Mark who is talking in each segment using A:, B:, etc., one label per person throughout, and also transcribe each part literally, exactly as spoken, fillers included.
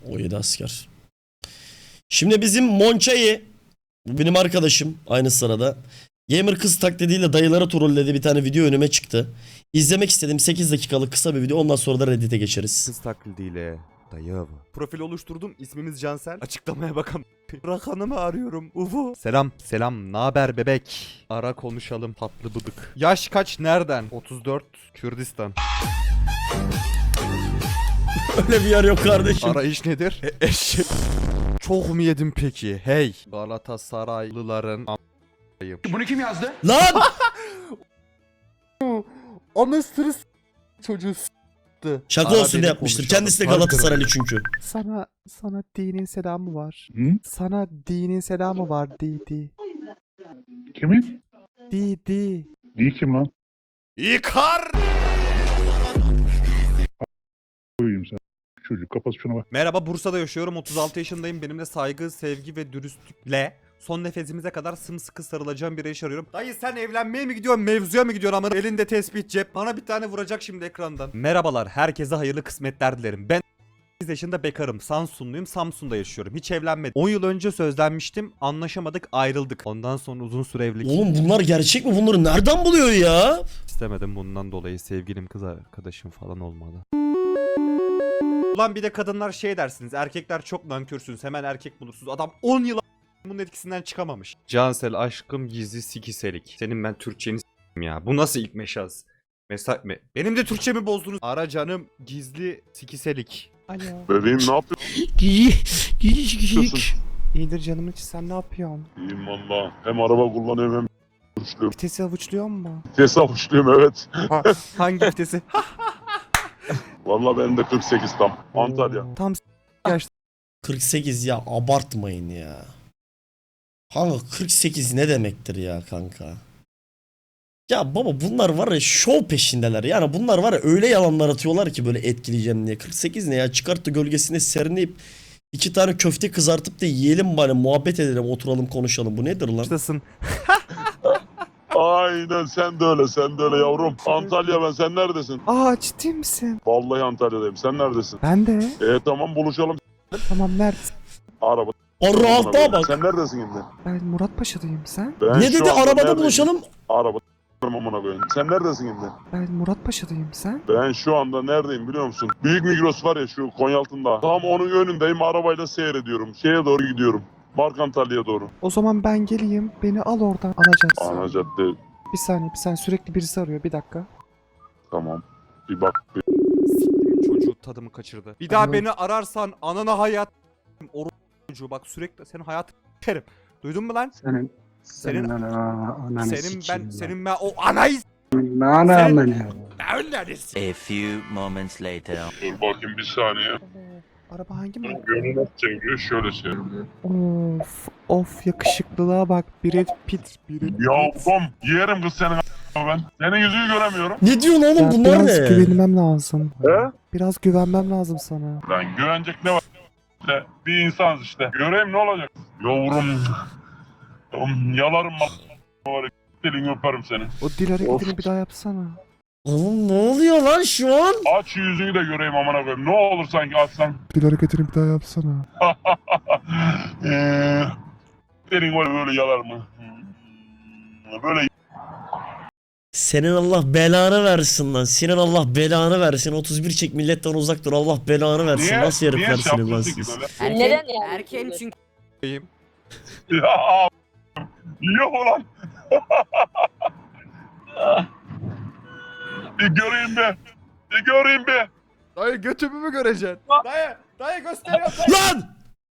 A: O yedi asker. Şimdi bizim Monça'yı, bu benim arkadaşım aynı sırada. Gamer kız taklidiyle dayılara trolledi, bir tane video önüme çıktı. İzlemek istedim, sekiz dakikalık kısa bir video, ondan sonra da Reddit'e geçeriz.
B: Kız taklidiyle dayı. Profil oluşturdum. İsmimiz Cansel. Açıklamaya bakalım. Rakanımı arıyorum. Uvu. Selam. Selam. Naber bebek? Ara konuşalım. Tatlı bıdık. Yaş kaç? Nereden? otuz dört. Kürdistan.
A: Öyle bir yer yok kardeşim.
B: Arayış nedir? E eşek. Çok mu yedim peki? Hey. Galatasaraylıların a**ayım.
C: Bunu kim yazdı?
A: Lan!
B: Anasını s*** çocuğu s***tı.
A: Şaka
B: Ara
A: olsun
B: beni
A: diye yapmıştır.
B: konuşalım.
A: Kendisi de
B: Harbiden.
A: Galatasaraylı çünkü.
B: Sana sana dinin selamı var.
C: Hı?
B: Sana dinin selamı var. Di di.
C: Kimin?
B: Di di.
C: Değil kim lan?
B: İkar.
C: Koyayım sen. Çocuk kapat şuna bak.
B: Merhaba, Bursa'da yaşıyorum. otuz altı yaşındayım. Benimle saygı, sevgi ve dürüstlükle son nefesimize kadar sımsıkı sarılacağım bir eş arıyorum. Dayı sen evlenmeye mi gidiyorsun, mevzuya mı gidiyorsun ama elinde tespih cep. Bana bir tane vuracak şimdi ekrandan. Merhabalar, herkese hayırlı kısmetler dilerim. Ben sekiz yaşında bekarım. Samsunluyum. Samsun'da yaşıyorum. Hiç evlenmedim. on yıl önce sözlenmiştim. Anlaşamadık, ayrıldık. Ondan sonra uzun süre evlilik
A: Oğlum bunlar gerçek mi? Bunları nereden buluyor ya?
B: istemedim. Bundan dolayı sevgilim, kız arkadaşım falan olmadı. Ulan bir de kadınlar şey dersiniz, erkekler çok nankörsünüz, hemen erkek bulursunuz. Adam on yıl bunun etkisinden çıkamamış. Cansel aşkım gizli sikiselik. Senin ben Türkçeni s**tim ya. Bu nasıl ilk meşaz? Mesaj mı? Benim de Türkçemi bozdunuz. Ara canım gizli sikiselik. Alo.
C: Bebeğim ne yapıyorsun?
B: İyidir canım hiç, sen ne yapıyorsun?
C: İyiyim valla. Hem araba kullanıyorum hem avuçluyorum.
B: Vitesi avuçluyor mu?
C: Vites avuçluyorum evet.
B: Hangi vitesi?
C: Valla benim de kırk sekiz tam. Antalya.
B: Tam s- yaşta.
A: kırk sekiz ya, abartmayın ya. Kanka kırk sekiz ne demektir ya kanka? Ya baba bunlar var ya şov peşindeler. Yani bunlar var ya öyle yalanlar atıyorlar ki böyle etkileyeceğim diye. kırk sekiz ne ya? Çıkarttı gölgesine serinleyip iki tane köfte kızartıp da yiyelim bari, muhabbet edelim, oturalım konuşalım. Bu nedir lan?
B: Yaştasın.
C: Aynen sen de öyle sen de öyle yavrum. Antalya ben, sen neredesin?
B: Aa, ciddi misin?
C: Vallahi Antalya'dayım, sen neredesin?
B: Ben de.
C: E tamam buluşalım.
B: Tamam, neredesin?
C: Araba.
A: O rahatlığa bak.
C: Sen neredesin şimdi?
B: Ben Muratpaşa'dayım, sen?
C: Ben
A: Ne
C: şu
A: dedi?
C: anda
A: Arabada
C: neredeyim?
A: buluşalım.
C: Araba. Amına koyayım. Sen neredesin şimdi?
B: Ben Muratpaşa'dayım, sen?
C: Ben şu anda neredeyim biliyor musun? Büyük Migros var ya şu Konyaaltı'nda. Tam onun önündeyim, arabayla seyrediyorum. Şeye doğru gidiyorum. Mark Antalya'ya doğru.
B: O zaman ben geleyim, beni al oradan, alacaksın.
C: Ana cadde.
B: Bir saniye, bir saniye, sürekli birisi arıyor, bir dakika.
C: Tamam. Bir bak. Bir...
B: Çocuğu tadımı kaçırdı. Bir daha beni ararsan anana hayat oru çocuğu, bak sürekli senin hayatını s**erim. Duydun mu lan?
D: Senin
B: Senin-
D: senin ana, ananı
B: Senin ben
D: sikeyim
B: senin ben o anayı
D: ben. Ana
B: Sen-
D: amına.
B: s**erim.
E: A few moments later.
C: Dur bakayım bir saniye.
B: Araba hangi mi?
C: Gönül nasıl çeviriyor? Şöyle şey.
B: Of of, yakışıklılığa bak. Brad Pitt. Brad Pitt.
C: Yavrum yerim kız senin a**ına ben. Senin yüzünü göremiyorum.
A: Ne diyorsun oğlum,
B: Ya
A: bunlar
B: biraz
A: ne?
B: güvenmem lazım.
C: He?
B: Biraz güvenmem lazım sana.
C: Lan güvenecek ne var? İşte bir insanız işte. Göreyim ne olacak? Yavrum. Oğlum, yalarım bak. Var ya, dilini öperim seni.
B: O dil hareketini bir daha yapsana.
A: Oğlum ne oluyor lan şu an?
C: Aç yüzünü de göreyim amına koyayım. Ne olur sanki açsan.
B: Dil hareketini bir daha yapsana.
C: Eee, Senin böyle böyle yalar mı? Böyle
A: Senin Allah belanı versin lan. Senin Allah belanı versin. otuz bir çek, milletten uzak dur. Allah belanı versin.
C: niye?
A: Nasıl
C: Niye
A: heriflersiniz lan
C: yapıyorsun ki
A: siz?
C: böyle?
F: Neden yani?
E: Erken çünkü.
C: Ya a**, yok ulan. Bir göreyim be. Bir göreyim be.
B: Dayı götümü mü göreceksin? Dayı, dayı gösteriyorum.
A: Lan!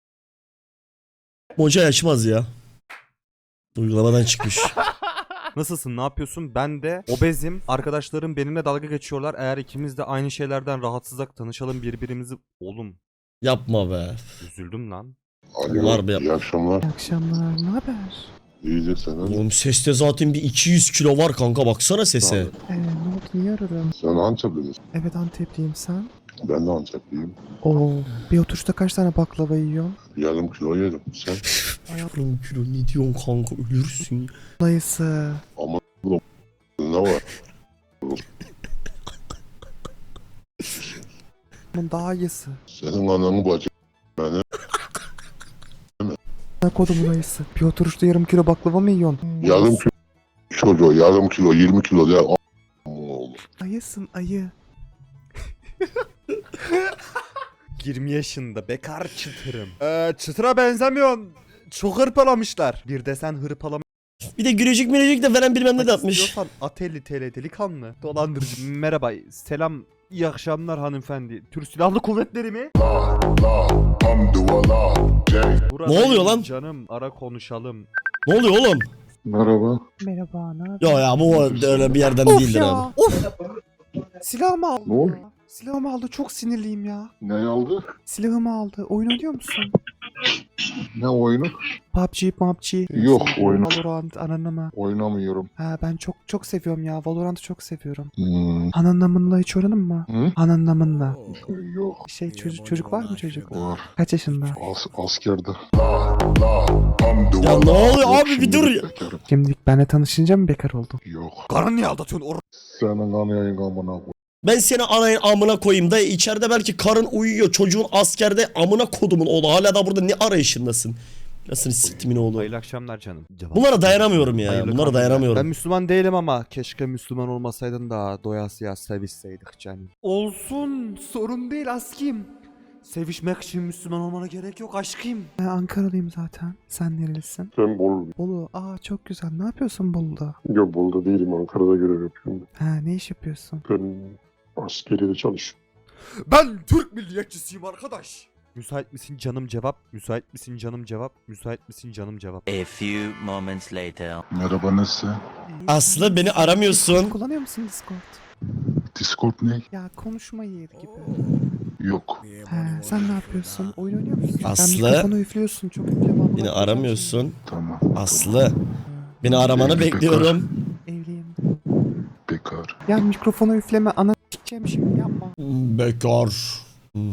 A: Moca yaşmaz ya. Uygulamadan çıkmış.
B: Nasılsın, ne yapıyorsun? Ben de obezim. Arkadaşlarım benimle dalga geçiyorlar. Eğer ikimiz de aynı şeylerden rahatsızsak tanışalım birbirimizi. Oğlum,
A: Yapma be.
B: üzüldüm lan.
C: Alo,
A: Var be.
C: iyi akşamlar.
B: İyi akşamlar, ne haber?
C: İyice sen.
A: Oğlum seste zaten bir iki yüz kilo var kanka, baksana sese.
B: Ee, ne oldu, niye aradın?
C: Sen Antepli misin?
B: Evet, Antepliyim, sen?
C: Ben de Antepliyim.
B: Oo, bir oturuşta kaç tane baklava yiyorsun?
C: Yarım kilo yerim. Sen?
A: Yarım kilo ne diyorsun kanka, ölürsün ya.
B: Dayısı.
C: Ama ne var?
B: Bunun daha iyisi.
C: Senin ananı bacı
B: Amına kodumun ayısı. Bir oturuşta yarım kilo baklava mı yiyorsun?
D: Yarım kilo çocuğu, yarım kilo, yirmi kilo ya. A- oğlum.
B: Ayısın ayı. yirmi yaşında bekar çıtırım. Ee, çıtıra benzemiyorsun. Çok hırpalamışlar. Bir de sen hırpalama
A: Bir de gülücük mülücük de veren bilmem ne de atmış.
B: istiyorsan at elli T L delikanlı. Dolandırıcı. Merhaba, selam, iyi akşamlar hanımefendi. Türk Silahlı Kuvvetleri mi?
D: La, hamdulillah, J.
B: Buradayım
A: oluyor lan?
B: Canım, ara konuşalım.
A: Ne oluyor oğlum?
D: Merhaba.
B: Merhaba, ne yapıyorsun?
A: Ya ya bu öyle bir yerden
B: Of
A: değildir
B: ya,
A: abi.
B: of. Silahımı aldı.
D: Ne oldu?
B: ya. Silahımı aldı, çok sinirliyim ya.
D: Ne aldı?
B: Silahımı aldı. Oyun oynuyor musun?
D: Ne oyunu?
B: P U B G, P U B G.
D: Yok, oyun.
B: Valorant, ananama.
D: Oynamıyorum.
B: Ha ben çok çok seviyorum ya. Valorant'ı çok seviyorum.
D: Hmm.
B: Ananamınla hiç oynadın mı?
D: Hı?
B: Ananamınla.
D: Yok.
B: Şey çocuk çocuk var mı çocuk?
D: Var.
B: Kaç yaşında?
D: As askerde. La, la, hamdulillah.
A: Ya ne oluyor
D: Yok,
A: abi, bir
D: şimdilik
A: dur ya.
D: bekarım.
B: Şimdilik benle tanışınca mı bekar oldun?
D: Yok.
B: Karın niye aldatıyorsun? Or
D: Senin anayın amına koy.
A: Ben seni anayın amına koyayım da içeride belki karın uyuyor. Çocuğun askerde amına kodumun oğlu. Hala da burada ne arayışındasın? Nasıl siktimin oğlu?
B: Hayırlı akşamlar canım. Cevap.
A: Bunlara dayanamıyorum ya.
B: Hayırlı
A: Bunlara
B: kandiller.
A: dayanamıyorum.
B: Ben Müslüman değilim ama keşke Müslüman olmasaydın da doyasıya sevişseydik canım. Olsun, sorun değil askim. Sevişmek için Müslüman olmana gerek yok aşkım. Ben Ankaralıyım zaten. Sen nerelisin?
D: Ben Bolu.
B: Bolu. Aa çok güzel. Ne yapıyorsun Bolu'da?
D: Yok Bolu'da değilim. Ankara'da görev yapıyorum.
B: Ha ne iş yapıyorsun?
D: Ben askeriyede çalışıyorum.
B: Ben Türk milliyetçisiyim arkadaş. Müsait misin canım cevap? Müsait misin canım cevap? Müsait misin canım cevap?
E: A few moments later.
D: Merhaba, nasılsın?
A: Aslı beni aramıyorsun.
B: Kullanıyor musun Discord?
D: Discord ne?
B: Ya konuşma yeri gibi.
D: Yok.
B: He, sen ne yapıyorsun? Oyun oynuyor musun?
A: Aslı.
B: Sen mikrofonu üflüyorsun. Çok üfleme ama.
A: Beni aramıyorsun.
D: Tamam.
A: Aslı. Beni aramanı bekliyorum.
B: Evliyim.
D: Bekar.
B: Ya mikrofonu üfleme. Ana s**eceğim şimdi yapma.
A: Bekar. Hmm.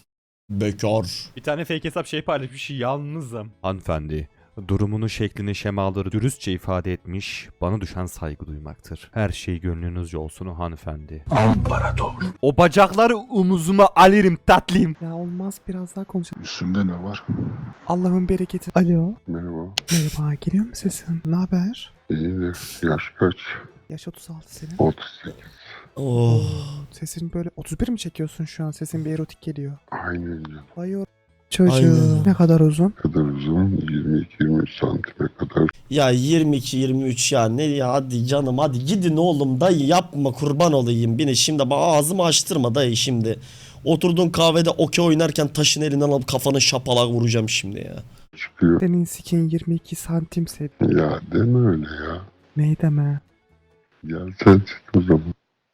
A: Bekar.
B: Bir tane fake hesap şey paylaşmış. Yalnızım. Hanımefendi. Durumunu, şeklini, şemaları dürüstçe ifade etmiş, bana düşen saygı duymaktır. Her şey gönlünüzce olsun o hanımefendi.
D: Amparator.
B: O bacakları omuzuma alırım tatlım. Ya olmaz, biraz daha konuşalım.
D: Üstünde ne var?
B: Allah'ın bereketi. Alo.
D: Merhaba.
B: Merhaba, geliyor mu sesin? Ne haber?
D: İyidir. Yaş kaç?
B: Yaş otuz altı senin.
D: otuz sekiz.
A: Oh.
B: Sesin böyle otuz bir mi çekiyorsun şu an? Sesin bir erotik geliyor.
D: Aynen canım.
B: Vay o çocuğu.
A: Aynen.
B: Ne kadar uzun?
D: Kadar uzun. yirmi iki yirmi üç santime kadar.
A: Ya yirmi iki yirmi üç ya ne ya, hadi canım hadi gidin oğlum, dayı yapma kurban olayım beni şimdi bak, ağzımı açtırma dayı şimdi. Oturduğun kahvede okey oynarken taşın elinden alıp kafanı şapalak vuracağım şimdi ya.
D: Çıkıyor.
B: Senin sikin yirmi iki santim set.
D: Ya deme öyle ya.
B: Ney deme?
D: Gel sen çık o zaman.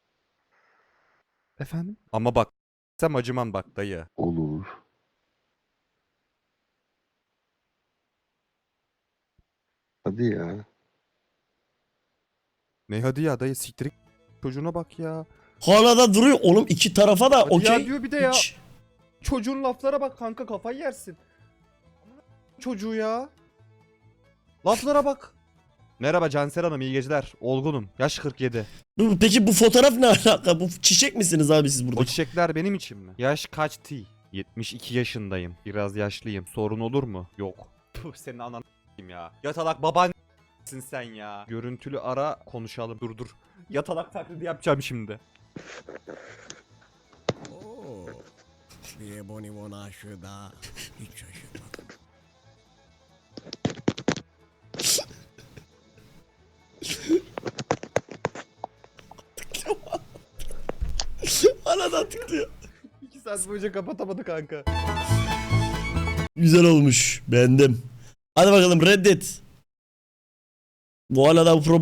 B: Efendim? Ama bak sen acımam bak dayı.
D: Olur. Hadi ya.
B: Ne hadi ya dayı, siktirik çocuğuna bak ya.
A: Hala da duruyor oğlum, iki tarafa da
B: Hadi ya
A: okey.
B: diyor bir de ya.
A: Hiç-
B: Çocuğun laflara bak kanka, kafayı yersin. Çocuğu ya. Laflara bak. Merhaba Cansel Hanım, iyi geceler. Olgunum. Yaş kırk yedi.
A: Bu- Peki bu fotoğraf ne alaka? Bu çiçek misiniz abi siz
B: O
A: burada?
B: çiçekler benim için mi? Yaş kaç T? yetmiş iki yaşındayım. Biraz yaşlıyım. Sorun olur mu? Yok. Puh, senin anan ya. Yatalak baban sen ya. Görüntülü ara konuşalım. Dur dur. Yatalak taklidi yapacağım şimdi.
F: Oo, bir bonibon aşığı daha hiç şaşırmadım.
A: Hala da tıklıyor.
B: iki saat boyunca kapatamadı kanka.
A: Güzel olmuş, beğendim. Hadi bakalım reddet. Bu hala da bu problem